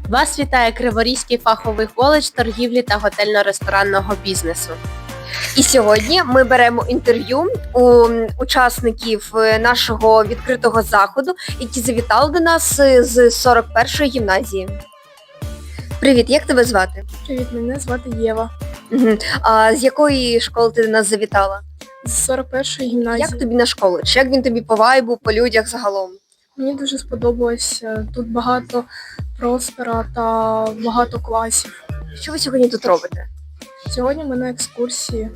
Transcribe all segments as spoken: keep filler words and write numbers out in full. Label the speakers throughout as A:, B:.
A: Вас вітає Криворізький фаховий коледж торгівлі та готельно-ресторанного бізнесу.
B: І сьогодні ми беремо інтерв'ю у учасників нашого відкритого заходу, які завітали до нас з сорок першої гімназії. Привіт, як тебе звати?
C: Привіт, мене звати Єва.
B: Угу. А з якої школи ти до нас завітала?
C: З сорок першої гімназії.
B: Як тобі наш коледж? Як він тобі по вайбу, по людях загалом?
C: Мені дуже сподобалось. Тут багато простора та багато класів.
B: Що ви сьогодні тут робите?
C: Сьогодні ми на екскурсії.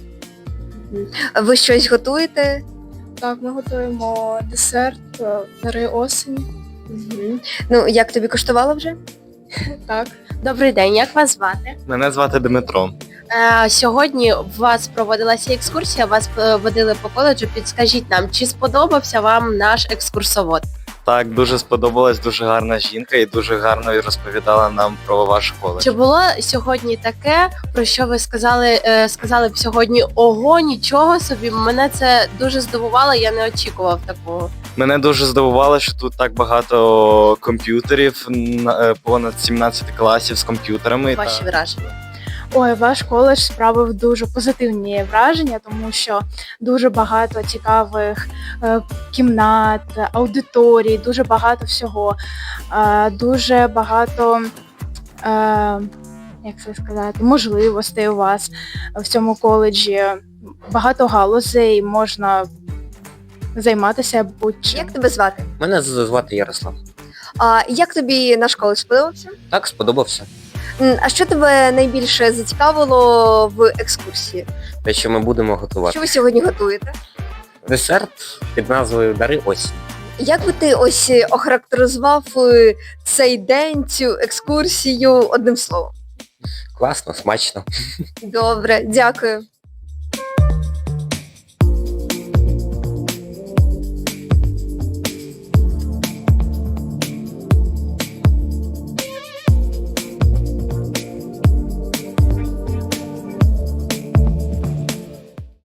B: Ви щось готуєте?
C: Так, ми готуємо десерт дари осені.
B: Угу. Ну, як тобі коштувало вже?
C: Так.
A: Добрий день, як вас звати?
D: Мене звати Дмитро.
A: Е, сьогодні у вас проводилася екскурсія, вас е, водили по коледжу. Підскажіть нам, чи сподобався вам наш екскурсовод?
D: Так, дуже сподобалась, дуже гарна жінка і дуже гарно розповідала нам про ваш коледж.
A: Чи було сьогодні таке, про що ви сказали, е, сказали б сьогодні ого, нічого собі? Мене це дуже здивувало, я не очікував такого.
D: Мене дуже здивувало, що тут так багато комп'ютерів, на- е, понад сімнадцять класів з комп'ютерами.
A: Ваші
D: Та-
A: враження?
E: Ой, ваш коледж справив дуже позитивні враження, тому що дуже багато цікавих е, кімнат, аудиторій, дуже багато всього, е, дуже багато, е, як це сказати, можливостей у вас в цьому коледжі. Багато галузей, можна займатися будь-чим.
B: Як тебе звати?
F: Мене з- звати Ярослав.
B: А як тобі наш коледж сподобався?
F: Так, сподобався.
B: М, А що тебе найбільше зацікавило в екскурсії?
F: Те, що ми будемо
B: Що
F: готувати.
B: ви сьогодні готуєте?
F: Десерт під назвою Дари осінь.
B: Як би ти ось охарактеризував е, цей день, цю екскурсію одним словом?
F: Класно, смачно.
B: Добре, дякую.